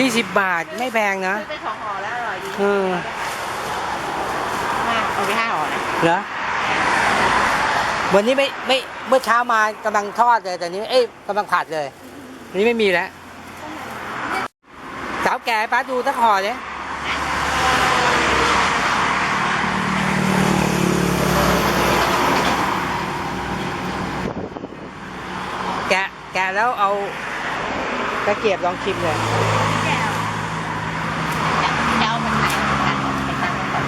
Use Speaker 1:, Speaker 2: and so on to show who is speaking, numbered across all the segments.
Speaker 1: 20 บาทไม่แพงนะ
Speaker 2: ซื้อไป2 ห่อแล้วอร่อยดีมาเอาไป5 ห่อนะ
Speaker 1: เหรอวันนี้ไม่เมื่อเช้ามากำลังทอดเลยแต่นี้กำลังผัดเลยนี่ไม่มีแล้วสาวแก่ป้าดูสักห่อเลยแกะแล้วเอาตะเกียบลองชิมเลย
Speaker 2: จะเอาแบบไหนไปตั้งก่อน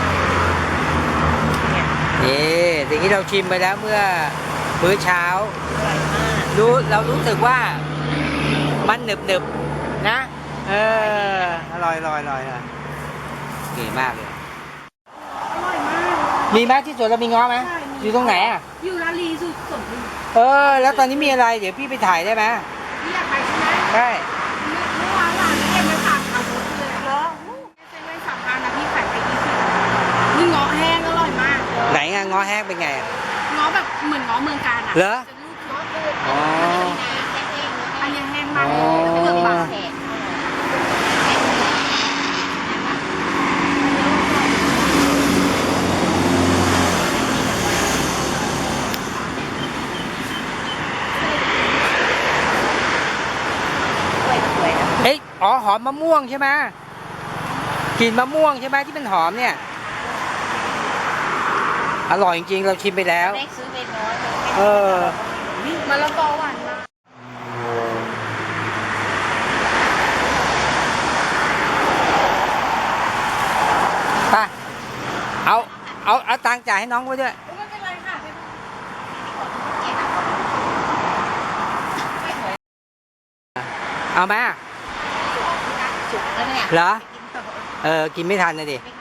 Speaker 1: นี่สิ่งที่เราชิมไปแล้วเมื่อมื้อเช้าเรารู้สึกว่ามันหนึบนะอร่อยเก๋มากเลย
Speaker 3: อร่อยมาก
Speaker 1: มีไหมที่สวนเรามีง้อไหมอยู่ตรงไหนอ่ะ
Speaker 3: อยู่ร้านลีสุดสมบูรณ์
Speaker 1: แล้วตอนนี้มีอะไรเดี๋ยวพี่ไปถ่ายได้ไหม
Speaker 3: พี่อยากไปใช่ไหม
Speaker 1: ได้
Speaker 3: เมื่อวานหลานเก็บมาฝากเอาหมดเลยเหรอเซ็นไว้3,000นะพี่ขายไป20นี่ง้อแห้งอร่อยมาก
Speaker 1: ไหนงง้อแห้งเป็นไง
Speaker 3: ง้อแบบเหมือนง้อเมืองการอ่ะ
Speaker 1: เหรอ
Speaker 3: อ๋ออันนี้แห้งมากเลยเกือบบางแห่
Speaker 1: หอมมะม่วงใช่ไหมกลิ่นมะม่วงใช่ไหมที่เป็นหอมเนี่ยอร่อยจริงๆเราชิมไปแล้ว
Speaker 2: ซื้อไปน้อย
Speaker 3: มะละกอหวานมาก
Speaker 1: ไปเอาตังค์จ่ายให้น้องไว้ด้วย
Speaker 3: ไม่เป็นไรค่ะ
Speaker 1: เอาไหม
Speaker 2: สุกแล้วเนี่ย
Speaker 1: เหรอกินไม่ทันเลยดิ